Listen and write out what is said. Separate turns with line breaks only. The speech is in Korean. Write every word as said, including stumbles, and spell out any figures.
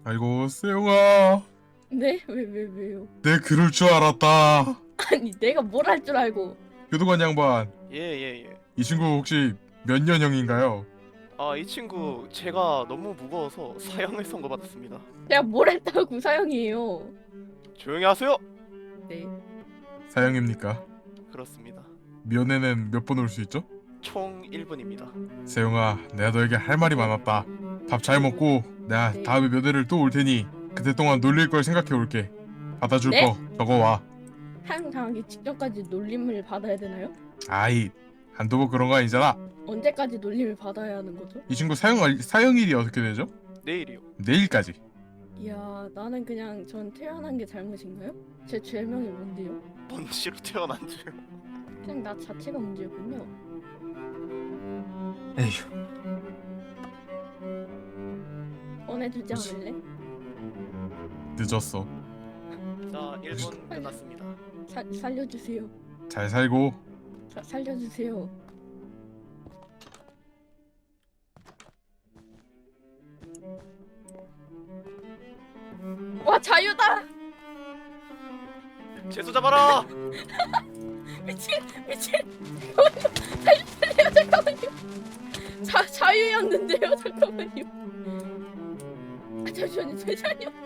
아이고 세용아,
네? 왜, 왜, 왜요?
내 그럴 줄 알았다.
아니, 내가 뭘 할 줄 알고.
교도관 양반,
예예 예.
이 친구 혹시 몇 년형인가요?
아, 이 친구 제가 너무 무거워서 사형을 선고받았습니다.
제가 뭘 했다고 사형이에요.
조용히 하세요.
네.
사형입니까?
그렇습니다.
면회는 몇 번 올 수 있죠?
총 일 분입니다.
세용아, 내가 너에게 할 말이 많았다. 밥 잘 먹고 내가
네.
다음에 면회를 또 올 테니 그때 동안 놀릴 걸 생각해 올게. 받아줄
네?
거 적어와.
사형 당하기 직전까지 놀림을 받아야 되나요?
아이, 한두 번 그런 거 아니잖아.
언제까지 놀림을 받아야 하는 거죠?
이 친구 사형 알- 사형일이 어떻게 되죠?
내일이요.
내일까지.
이야, 나는 그냥 전 태어난 게 잘못인가요? 제 죄명이 뭔데요?
먼지로 태어난 줄.
그냥 나 자체가 문제였군요.
에휴.
꺼내주지 않을래?
늦었어.
자, 일 분 끝났습니다.
사, 살려주세요.
잘 살고.
사, 살려주세요. 와, 자유다!
재수 잡아라.
미친! 미친! 살려주세요! 잠깐만요! 자, 자유였는데요? 잠깐만요. 아, 잠시만요, 잠시만요.